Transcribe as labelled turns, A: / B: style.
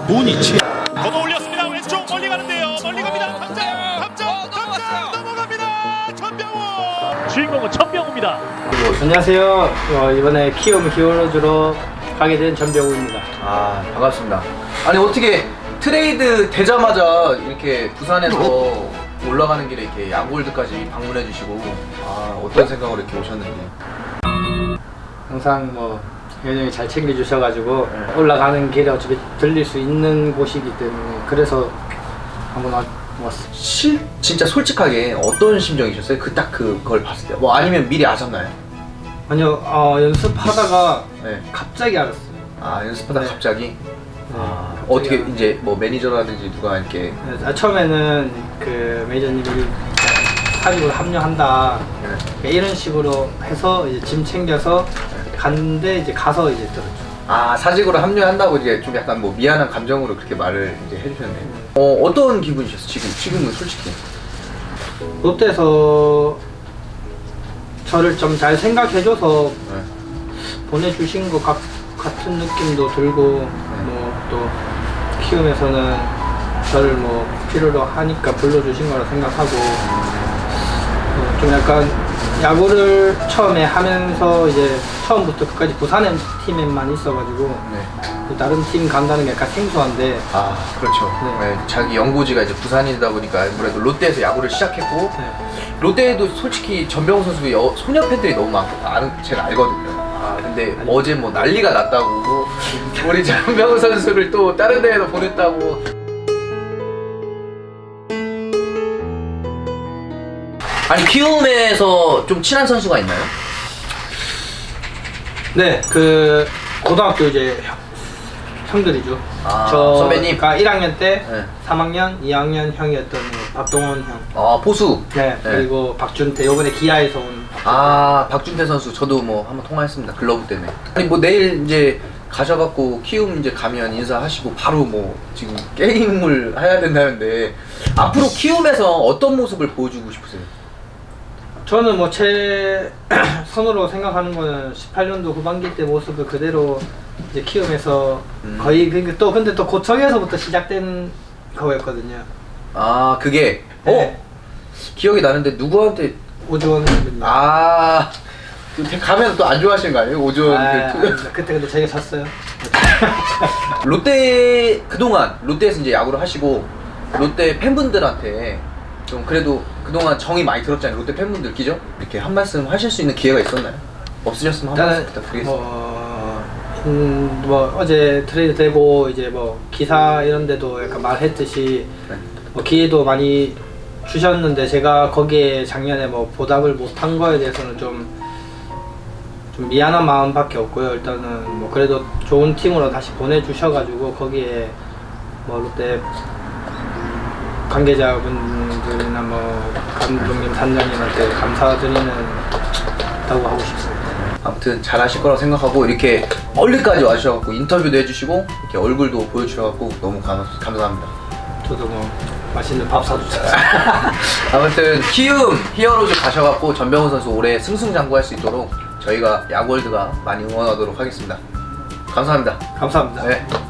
A: 고니치
B: 걷어 올렸습니다. 왼쪽 멀리 가는데요. 멀리 갑니다. 담장 넘어갑니다. 전병호. 주인공은 전병호입니다.
C: 안녕하세요. 이번에 키움 히어로즈로 가게 된 전병우입니다.
D: 아, 반갑습니다. 아니 어떻게 트레이드 되자마자 이렇게 부산에서 올라가는 길에 이렇게 야구월드까지 방문해 주시고, 아, 어떤 생각으로 이렇게 오셨는지.
C: 항상 회장이 잘 챙겨주셔가지고 올라가는 길에 어차피 들릴 수 있는 곳이기 때문에 그래서 한번 왔어요.
D: 진짜 솔직하게 어떤 심정이셨어요? 그걸 봤을 때. 뭐 아니면 미리 아셨나요?
C: 아니요, 연습하다가
D: 네.
C: 갑자기 알았어요.
D: 아, 연습하다
C: 네.
D: 갑자기? 아,
C: 갑자기
D: 어떻게
C: 알았어요.
D: 이제 뭐 매니저라든지 누가 이렇게.
C: 처음에는 그 매니저님이 사직으로 합류한다 이런 식으로 해서 이제 짐 챙겨서 갔는데 이제 가서 이제 들었죠.
D: 아, 사직으로 합류한다고 이제 좀 약간 뭐 미안한 감정으로 그렇게 말을 이제 해주셨네요. 어떤 기분이셨어요? 지금은 솔직히.
C: 롯데에서 저를 좀 잘 생각해줘서
D: 네.
C: 보내주신 것 같은 느낌도 들고 뭐 또 키움에서는 저를 뭐 필요로 하니까 불러주신 거라 생각하고 좀 약간 야구를 처음에 하면서 이제 처음부터 끝까지 부산 팀에만 있어가지고
D: 네.
C: 다른 팀 간다는 게 약간 생소한데
D: 아, 그렇죠.
C: 네.
D: 네, 자기 연고지가 이제 부산이다 보니까 아무래도 롯데에서 야구를 시작했고,
C: 네.
D: 롯데에도 솔직히 전병호 선수 소녀 팬들이 너무 많고 제가 알거든요. 아, 근데 어제 뭐 난리가 났다고, 우리 전병호 선수를 또 다른 데에도 보냈다고. 아니, 키움에서 좀 친한 선수가 있나요?
C: 네, 그 고등학교 이제 형들이죠.
D: 아,
C: 저
D: 선배님?
C: 1학년 때
D: 네.
C: 3학년, 2학년 형이었던 박동원 형.
D: 아, 포수.
C: 네, 그리고 박준태 요번에 기아에서 온.
D: 아, 박준태 선수 저도 뭐 한번 통화했습니다. 글러브 때문에. 아니 뭐 내일 이제 가셔갖고 키움 이제 가면 인사하시고 바로 뭐 지금 게임을 해야 된다는데, 앞으로 키움에서 어떤 모습을 보여주고 싶으세요?
C: 저는 뭐 제 선으로 생각하는 거는 18년도 후반기 때 모습을 그대로 이제 키움에서 거의 근데 또 고척에서부터 시작된 거였거든요.
D: 아, 그게
C: 네.
D: 기억이 나는데 누구한테.
C: 오주원 선배님.
D: 아, 가면 또 안 좋아하시는 거 아니에요? 오전
C: 그때 근데 저희가 졌어요.
D: 롯데 그동안 롯데에서 이제 야구를 하시고 롯데 팬분들한테 좀 그래도 그동안 정이 많이 들었잖아요. 롯데 팬분들 기죠? 이렇게 한 말씀 하실 수 있는 기회가 있었나요? 없으셨으면 한 말씀 부탁드리겠습니다.
C: 뭐 어제 트레이드 되고 이제 뭐 기사 이런 데도 약간 말했듯이
D: 네.
C: 뭐 기회도 많이 주셨는데 제가 거기에 작년에 뭐 보답을 못한 거에 대해서는 좀 미안한 마음밖에 없고요. 일단은 뭐 그래도 좋은 팀으로 다시 보내주셔가지고 거기에 뭐 롯데 관계자분들이나 뭐 감독님, 단장님한테 감사드리는 다고 하고 싶습니다.
D: 아무튼 잘하실 거라고 생각하고 이렇게 멀리까지 와주셔갖고 인터뷰도 해주시고 이렇게 얼굴도 보여주셔갖고 너무 감사합니다.
C: 저도 뭐 맛있는 밥 사주세요.
D: 아무튼 키움 히어로즈 가셔갖고 전병호 선수 올해 승승장구할 수 있도록 저희가 야구월드가 많이 응원하도록 하겠습니다. 감사합니다.
C: 감사합니다.
D: 네.